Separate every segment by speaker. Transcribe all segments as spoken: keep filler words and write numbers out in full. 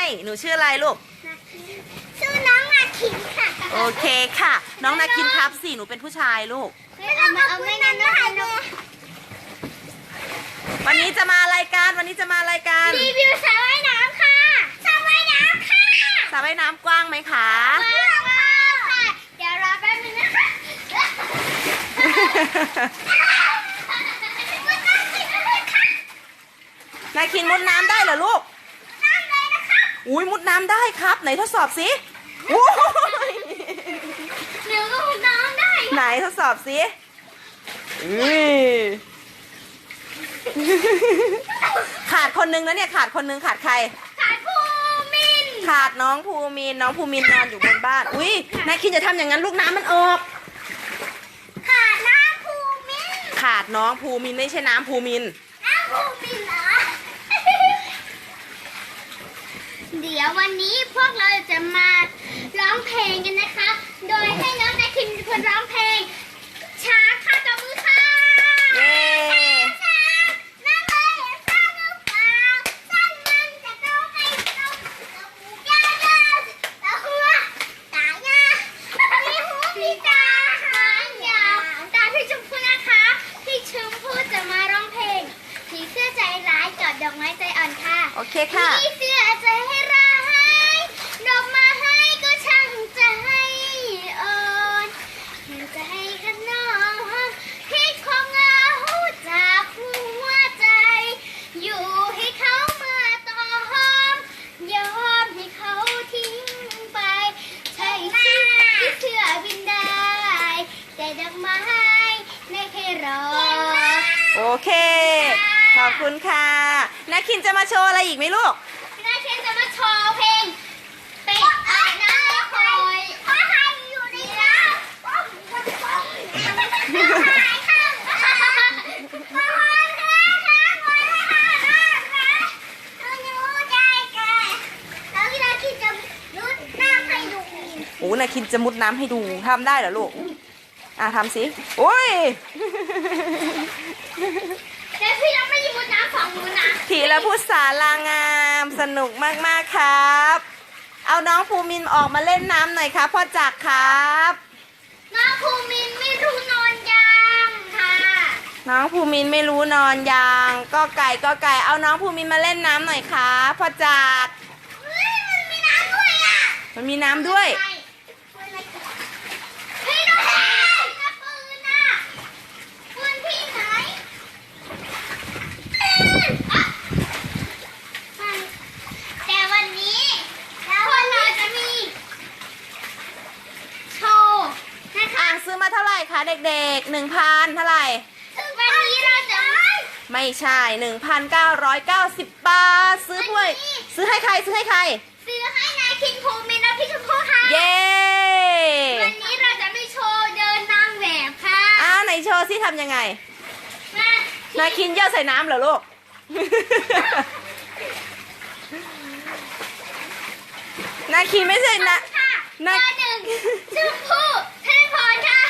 Speaker 1: หนูชื่ออะไรลูก
Speaker 2: ชื่อน้องนาคินค่ะ
Speaker 1: โอเคค่ะน้องนาคินครับสิหนูเป็นผู้ชายลูก
Speaker 2: เอามาเอาไม่งั้นนะคะ
Speaker 1: วันนี้จะมารายการวันนี้จะมารายการ
Speaker 2: รีวิวสระว่ายน้ำค่ะสระว่ายน้ำค่ะ
Speaker 1: สระว่ายน้ำกว้างไหมคะ
Speaker 2: กว้างมากค่ะเดี๋ยวรอแป๊บนึงนะคะ
Speaker 1: นาคินมุดน้ำได้เหรอลูก
Speaker 2: น้ำเลยนะคะ
Speaker 1: อุ้ยมุดน้ำได้ครับไหนทดสอบสิ
Speaker 2: หนูก็มุดน้ำได้
Speaker 1: ไหนทดสอบสิอุ้ยขาดคนนึงแล้วเนี่ยขาดคนนึงขาดใคร
Speaker 2: ขาดภูมิน
Speaker 1: ขาดน้องภูมินน้องภูมินนอนอยู่บนบ้านอุ้ยนาคินจะทำอย่างนั้นลูกน้ำมันออก
Speaker 2: ขาดน้ำภูมิน
Speaker 1: ขาดน้องภูมินไม่ใช่น้ำภูมิน
Speaker 2: น้ำภูมินเหรอเดี๋ยววันนี้พวกเราจะมาร้องเพลงกันนะคะ โดยให้น้องนาคินเป็นคนร้องเพลงช้าค่ะตบมือค่ะ
Speaker 1: เย้
Speaker 2: น้ำเลยสร้างหรือเปล่าสร้างมันจะต้องให้เราเราหูยาวๆเราหัวตายามีหูมีตาหางยาวตาพี่ชมพู่นะคะพี่ชมพู่จะมาร้องเพลงผีเสื้อใจร้ายกอดดอกไม้ใจอ่อนค่ะ
Speaker 1: โอเคค่ะ
Speaker 2: ผีเสื้อใจให้ร้ายดอกมาให้ก็ช่างใจอ่อนใจกันน้องพิษของเงาจากหัวใจอยู่ให้เขามาต่อหอมยอมให้เขาทิ้งไปใช่สิที่เสื้อบินได้แต่ดอกไม้ไม่เคยรอ
Speaker 1: โอเคขอบคุณค่ะนาคินจะมาโชว์อะไรอีกไหมลูก
Speaker 2: นาคินจะมาโชว์เพลงเป็ดอาบน้ำคอยพ่อไทยอยู่ในน้ำพ่อไทยค่ะพ่อไทยค่ะพ่อไทยค่ะพ่อไทยค่ะน้องหนูใจแก่แล้วนาคินจะมุดน้ำให้ดู
Speaker 1: โอ้นาคินจะมุดน้ำให้ดูทำได้เหรอลูกอ่ะทำสิโอ้ย
Speaker 2: แต่พี่ยังไม่ยิงมุดน้ำฝั่งนู้นนะ
Speaker 1: ทีละพุทธสารางามสนุกมากๆครับเอาน้องภูมินออกมาเล่นน้ำหน่อยครับพ่อจักรครับ
Speaker 2: น้องภูมินไม่รู้นอนยังค่ะ
Speaker 1: น้องภูมินไม่รู้นอนยังก็ไก่ก็ไก่เอาน้องภูมินมาเล่นน้ำหน่อยครับพ่อจักร
Speaker 2: เฮ้ยมันมีน้ำด้วยอ่ะ
Speaker 1: มันมีน้ำด้วย
Speaker 2: พี่ดูสิปืนอ่ะปืนพี่ไหนแต่วันนี้พวกเราจะมีโชว์นะคะ
Speaker 1: ซื้อมาเท่าไหร่คะเด็กๆหนึ่งพันเท่าไหร่
Speaker 2: วันนี้เราจะ
Speaker 1: ไม่ใช่หนึ่งพันเก้าร้อยเก้าสิบบาทซื้อด้วยซื้อให้ใครซื้อให้ใคร
Speaker 2: ซื้อให้นายคิงภูมินและพี่ชมพู่ค่ะ
Speaker 1: เย้
Speaker 2: วันนี้เราจะไม่โชว์เดินนางแบบค่ะ
Speaker 1: อ้าวไหนโชว์สิทำยังไงนายคินเย่อใส่น้ำเหรอลูกนาคินไม่ใช่นะ
Speaker 2: นาหนึ่งชมพู่เทพรค่ะ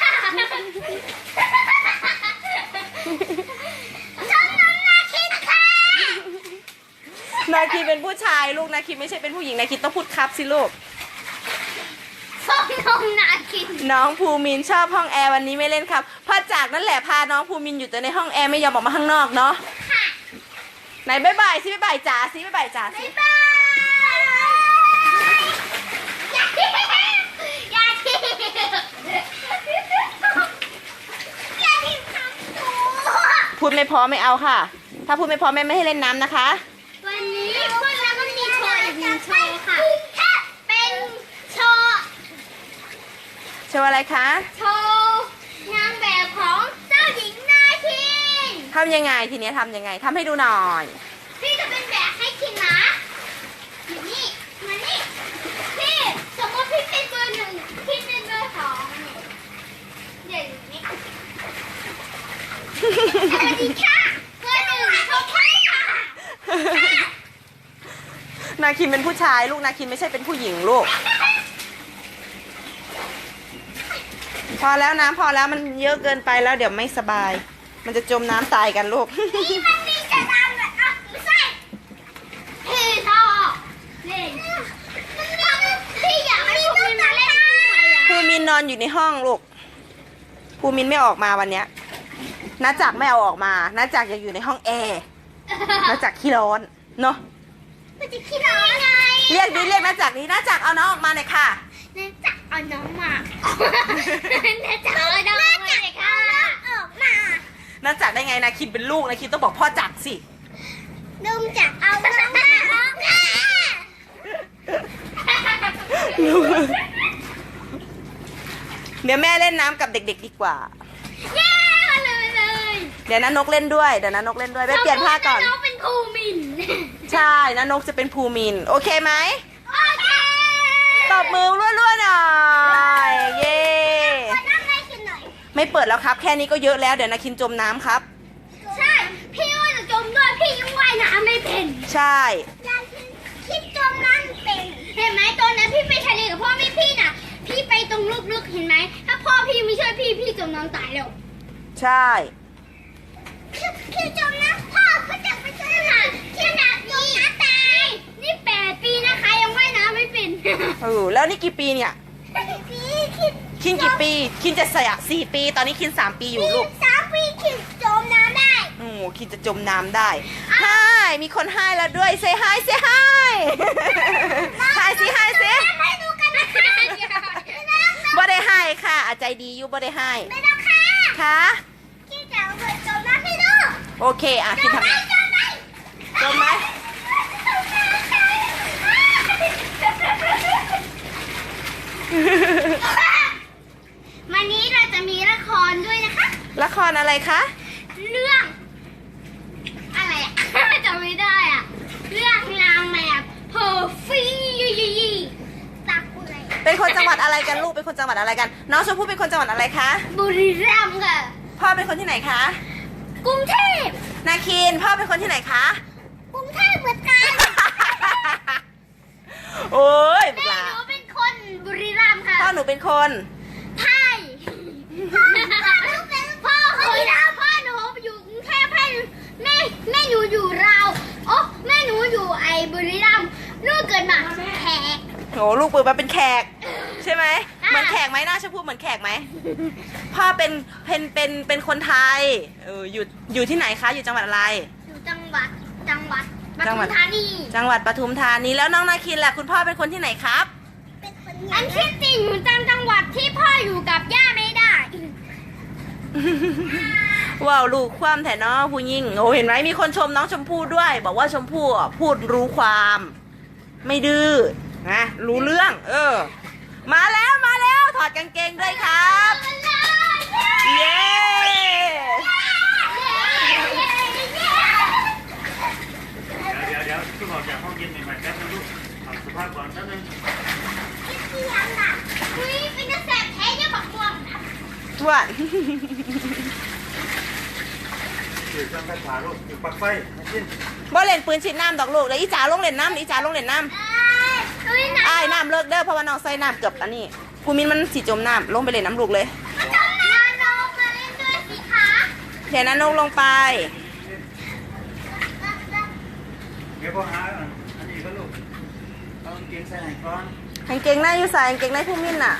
Speaker 2: ชมน้องนาคินค่ะ
Speaker 1: นาคินเป็นผู้ชายลูกนาคินไม่ใช่เป็นผู้หญิงนาคินต้องพูดครับสิลูก
Speaker 2: ชมน้องนาคิน
Speaker 1: น้องภูมินชอบห้องแอร์วันนี้ไม่เล่นครับพ่อจากนั่นแหละพาน้องภูมินอยู่แต่ในห้องแอร์ไม่ยอมออกมาข้างนอกเนาะไหนบ๊ายบายสิบ๊ายบายจ๋าสิบ๊ายบายจ๋าสิพูดไม่พอไม่เอาค่ะถ้าพูดไม่พอแม่ไม่ให้เล่นน้ำนะคะ
Speaker 2: วันนี้พวกเราก็มีโชว์อีกหนึ่งโชว์ค่ะเป็นโชว์
Speaker 1: โชว์อะไรคะ
Speaker 2: โชว์นางแบบของเจ้าหญิงนาคิน
Speaker 1: ทำยังไงทีนี้ทำยังไงทำให้ดูหน่อย
Speaker 2: พี่จะเป็นแบบให้คินนะนี่มานี่พี่สมมติพี่เป็นเบอร์หนึ่งพี่เป็นเบอร์สองเดี๋ยวนี้สวัสดีค่ะเบอร์หนึ่งโอเคค่ะ
Speaker 1: นาคินเป็นผู้ชายลูกนาคินไม่ใช่เป็นผู้หญิงลูกพอแล้วน้ำพอแล้วมันเยอะเกินไปแล้วเดี๋ยวไม่สบายมันจะจมน้ำตายกันลูก
Speaker 2: นี่มันมีจะน้ำแบบอ่ะไม่ใช่พี่ต่อเล่น
Speaker 1: นนอนอยู่ในห้องลูกภูมินไม่ออกมาวันเนี้ยน้าจักรไม่เอาออกมาน้าจักรยังอยู่ในห้องแอร์น้าจักรขี้ร้อนเนาะ
Speaker 2: มันจะคิดได้ไง
Speaker 1: เรียกดิเรียกน้าจักรดิน้าจักรเอาน้องออกมาหน่อยค่ะ
Speaker 2: น่าจะเอาน้องมาน่าจะเอาน้องมาเลยค่ะออกมา
Speaker 1: น้าจักรได้ไงนาคินเป็นลูกนาคินต้องบอกพ่อจักรสิ
Speaker 2: ลุงจะเอาน้องมาออกมา
Speaker 1: เดี๋ยวแม่เล่นน้ำกับเด็กๆดีกว่า
Speaker 2: เย้มาเลยเลย
Speaker 1: เดี๋ยวน้านกเล่นด้วยเดี๋ยวน้านกเล่นด้วยไปเปลี่ยนผ้าก่อน
Speaker 2: น้องเป็นครูมิน
Speaker 1: ใช่น้านกจะเป็นภูมินโอเคไหม
Speaker 2: โอเค
Speaker 1: ตบมือรัวๆหน่อยเย้
Speaker 2: ขอนั่งให้กินหน่อย
Speaker 1: ไม่เปิดแล้วครับแค่นี้ก็เยอะแล้วเดี๋ยวนาคินจมน้ำครับ
Speaker 2: ใช่ พี่ว่าจะจมด้วยพี่ยังว่ายน้ำไม่เป็น
Speaker 1: ใช่
Speaker 2: ยังคิดจมน้ำเป็น เห็นไหมตอนนั้นพี่ไปทะเลกับพ่อไม่พี่น่ะ พี่ไปตรงลึกๆเห็นไหม ถ้าพ่อพี่ไม่ช่วยพี่พี่จมน้ำตายแล้ว
Speaker 1: ใช่
Speaker 2: พี่จมน้ำพ่อเขาจะไปช่วยหาที่น้ำนี้ตาย นี่แปดปีนะคะยังว่ายน้ำไม่เป็น
Speaker 1: เออแล้วนี่กี่ปีเนี่ย
Speaker 2: พี่คิด
Speaker 1: คินกี่ปีคินจะเสียสี่ปีตอนนี้คินสามปีอยู่ลูก
Speaker 2: สามปีคิดจมน้ำได้
Speaker 1: โอ้โหคินจะจมน้ำได้ไฮมีคนไฮแล้วด้วยเซฮายเซฮายไฮสิไฮสิ
Speaker 2: ให้ดูกันนะคะ
Speaker 1: บ่ได้ไฮค่ะอาใจดีอยู่บ่ได้ไฮ
Speaker 2: ไม่ต้องค่ะ
Speaker 1: ค่ะ
Speaker 2: คิดจะเอาไปจมน้ำให้ดู
Speaker 1: โอเคอ่ะคินทำไง
Speaker 2: จมไหม
Speaker 1: จมไหม
Speaker 2: วันนี้เราจะมีละครด้วยนะคะ
Speaker 1: ละครอะไรคะ
Speaker 2: เรื่อง อะไรอะ จำไม่ได้อะเรื่องนางแบบเพอร์ฟี่ยี่ยี่ยี่ตักอะไร
Speaker 1: เป็นคนจังหวัดอะไรกันลูกเป็นคนจังหวัดอะไรกัน น้องชมพู่เป็นคนจังหวัดอะไรคะ
Speaker 2: บุรีรัมย์ค่ะ
Speaker 1: พ่อเป็นคนที่ไหนคะ
Speaker 2: กรุงเทพ
Speaker 1: นาคินพ่อเป็นคนที่ไหนคะ
Speaker 2: กรุงเทพเหมือนกัน
Speaker 1: โอ้ย
Speaker 2: แม่
Speaker 1: ปลา
Speaker 2: หนูเป็นคนบุรีรัมย์ค่ะ
Speaker 1: พ่อหนูเป็นคน
Speaker 2: ไทยพ่อหนูเป็นพ่อคนที่รัมพ่อหนูอยู่กรุงเทพให้แม่แม่หนูอยู่ราวโอ้แม่หนูอยู่ไอ้บุรีรัมย์ลูกเกิดมาแขก
Speaker 1: โหลูกปืนมาเป็นแขก ใช่ไหม
Speaker 2: อ่ะ
Speaker 1: เหมือนแขกไหมหน้าชมพู่เหมือนแขกไหมพ่อเป็นเป็นเป็นเป็นคนไทยเอออยู่อยู่ที่ไหนคะอยู่จังหวัดอะไร
Speaker 2: อยู่จังหวัดจังหวัดป
Speaker 1: จังหวั
Speaker 2: ทุ
Speaker 1: ด
Speaker 2: มธานี
Speaker 1: จังหวัดปทุมธานีแล้วน้องนาคินล่ะคุณพ่อเป็นคนที่ไหนครับ
Speaker 2: อันที่จริงอยู่จังจังหวัดที่พ่ออยู่กับย่าไม่ได้
Speaker 1: ว้าวลูกความแถเนาะผู้ยิ่งโอ้เห็นไหมมีคนชมน้องชมพู่ด้วย บอกว่าชมพู่อ่ะพูดรู้ความ ไม่ดื้อนะรู้เรื่อง เออ มาแล้วมาแล้วถอดกางเกงด้วยครับ เย้
Speaker 3: เดี๋ยวเดี๋ยวเพิ่งออกจากห้องเย็นใหม่ๆแป๊บนึงลูกเอาสุภาพก่อนแป๊บนึง
Speaker 2: อุ้ยเป็นกระแสแท้เนี่ยบักม่วงนะ
Speaker 1: ทวน
Speaker 3: ถือเครื่องไฟฟ้าลูกถือปลั๊กไฟมากิน
Speaker 1: บ่เล่นปืนฉีดน้ำดอกลูกเดี๋ยวอีจ๋าลงเล่นน้ำเดี๋ยวอีจ๋าลงเล่นน้ำ
Speaker 2: อุ้ยนะ
Speaker 1: อ้ายน้ำเลิกเด้อเพราะว่าน้องใส่น้ำเกือบอันนี้ภูมินมันสีจมน้ำลงไปเล่นน้ำลูกเลย
Speaker 2: มาจมน้ำน้องมาเล่นด้วยสิคะ
Speaker 1: เดี๋ยวนั้นลงลงไป
Speaker 3: เดี๋ยวพ่อหาอันนี้ก็ลูกเอากางเกงใส่ไหนก่อน
Speaker 1: กางเกงในอยู่ใส่กางเกงในภูมินน่ะ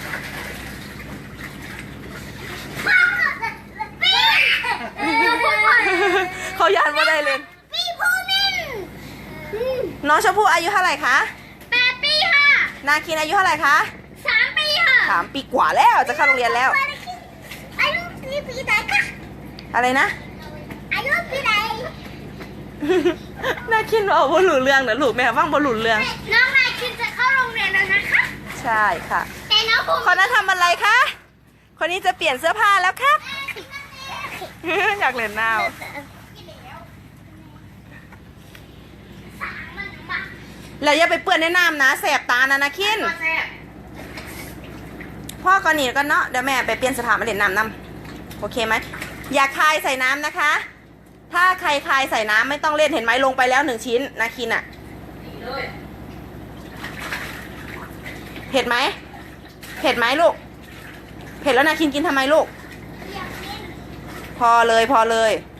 Speaker 1: เขายานว่าได้เลย
Speaker 2: พี่ภูมิน
Speaker 1: น้องชมพู่อายุเท่าไหร่คะ
Speaker 2: แปดปีค่ะ
Speaker 1: นาคินอายุเท่าไหร่คะ
Speaker 2: สามปีค่ะ
Speaker 1: สามปีกว่าแล้วจะเข้าโรงเรียนแล้ว
Speaker 2: อายุปีปีไหนคะ
Speaker 1: อะไรนะ
Speaker 2: อายุปีไหน
Speaker 1: นาคินบอกบอลลูเรื่องนะลูกแม่ว่างบอลลูเรื่อง
Speaker 2: น้องนายคิดจะเข้าโรงเรียนแล้วนะคะ
Speaker 1: ใช่ค่ะ
Speaker 2: แต่น้องภูมิ
Speaker 1: คนนั้นทำอะไรคะ คนนี้จะเปลี่ยนเสื้อผ้าแล้วครับ อยากเล่นน้ำแล้วอย่าไปเปื้อนในน้ำนะแสบตานะนะคินพ่อก่อนหนีกันเนาะเดี๋ยวแม่ไปเปลี่ยนเสอผ้ามาเล่นน้ำน้ำโอเคไหมอย่าคายใส่น้ำนะคะ ถ้าใครคายใส่น้ำไม่ต้องเล่นเห็นไหมลงไปแล้วหนึ่งชิ้นนาคินอะเผ็ดไหมเผ็ดไหมลูกเผ็ดแล้วนาคินกินทำไมลูก พอเลยพอเลย